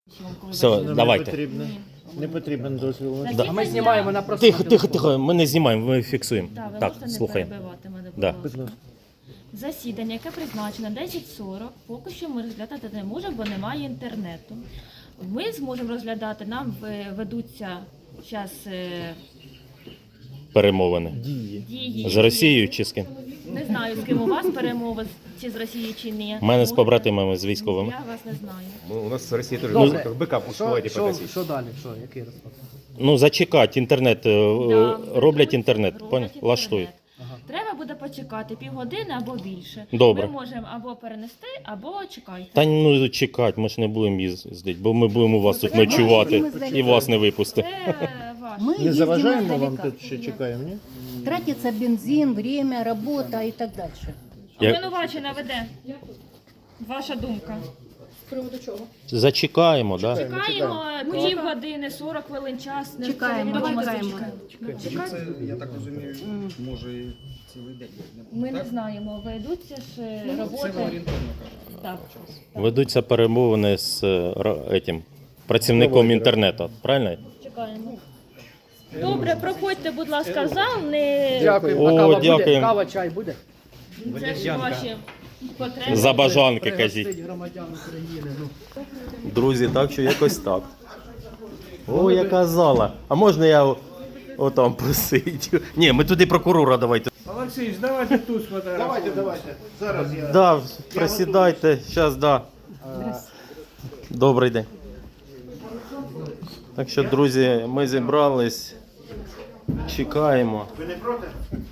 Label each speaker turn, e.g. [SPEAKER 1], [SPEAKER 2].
[SPEAKER 1] Все, давайте.
[SPEAKER 2] Не потрібен дозвіл.
[SPEAKER 1] Да.
[SPEAKER 3] А ми знімаємо на просто.
[SPEAKER 1] Тихо, ми не знімаємо, ми фіксуємо.
[SPEAKER 4] Так, ви
[SPEAKER 1] Так,
[SPEAKER 4] можете не
[SPEAKER 1] слухаємо.
[SPEAKER 4] перебивати мене, будь
[SPEAKER 1] Да.
[SPEAKER 4] ласка. Засідання, яке призначено 10:40, поки що ми розглядати не можемо, бо немає інтернету. Ми зможемо розглядати, нам ведуться зараз
[SPEAKER 1] Перемовини.
[SPEAKER 4] дії.
[SPEAKER 1] З Росією чи з ким?
[SPEAKER 4] Не знаю, з ким у вас перемови, чи з Росією, чи ні.
[SPEAKER 1] У мене з
[SPEAKER 4] Може,
[SPEAKER 1] побратимами, з військовими.
[SPEAKER 4] Я вас не знаю.
[SPEAKER 5] У нас в России тоже
[SPEAKER 3] Добре.
[SPEAKER 5] быка пускайте
[SPEAKER 3] Що
[SPEAKER 5] покосить.
[SPEAKER 3] далі? Що, який розклад?
[SPEAKER 1] Ну, зачекати, інтернет,
[SPEAKER 4] Да,
[SPEAKER 1] роблять інтернет,
[SPEAKER 4] роблять
[SPEAKER 1] поняв? Влаштують.
[SPEAKER 4] Треба буде почекати півгодини або більше.
[SPEAKER 1] Добре.
[SPEAKER 4] Ми можемо або перенести, або чекайте.
[SPEAKER 1] Та ну чекати, ми ж не будемо їздити, бо ми будемо у вас тут ночувати і вас не випустити.
[SPEAKER 4] Це ваше.
[SPEAKER 6] Мы
[SPEAKER 2] Не
[SPEAKER 6] ездим
[SPEAKER 2] заважаємо вам
[SPEAKER 6] издалека.
[SPEAKER 2] тут ще чекаємо, ні?
[SPEAKER 6] Тратится бензин, время, работа и так дальше.
[SPEAKER 1] Я-
[SPEAKER 4] Обвинувачена веде. Ваша думка.
[SPEAKER 1] Зачекаємо, так? Да?
[SPEAKER 4] Чекаємо півгодини, 40 хвилин час.
[SPEAKER 6] Чекаємо, чекаємо.
[SPEAKER 7] Я так розумію, може і цілий день.
[SPEAKER 4] Ми не знаємо, ведуться ж роботи. Так.
[SPEAKER 1] Ведуться перемовини з працівником інтернету, правильно?
[SPEAKER 4] Чекаємо. Добре, проходьте, будь ласка, в зал. Не...
[SPEAKER 3] Дякую.
[SPEAKER 1] О,
[SPEAKER 3] А кава буде?
[SPEAKER 1] дякуємо.
[SPEAKER 3] Кава, чай буде?
[SPEAKER 4] Це ж ваші потреби.
[SPEAKER 1] За бажанки, кажіть.
[SPEAKER 3] Пригостить громадян України. Ну.
[SPEAKER 1] Друзі, так що якось так. О, яка зала. А можна я отам посидю? Ні, ми туди прокурора давайте.
[SPEAKER 8] Олексій, давайте тут сфотографуємо.
[SPEAKER 2] Давайте. Зараз я.
[SPEAKER 1] Да, присідайте, зараз, да. Добрий день. Так що, друзі, ми зібрались, чекаємо.
[SPEAKER 2] Ви не проти?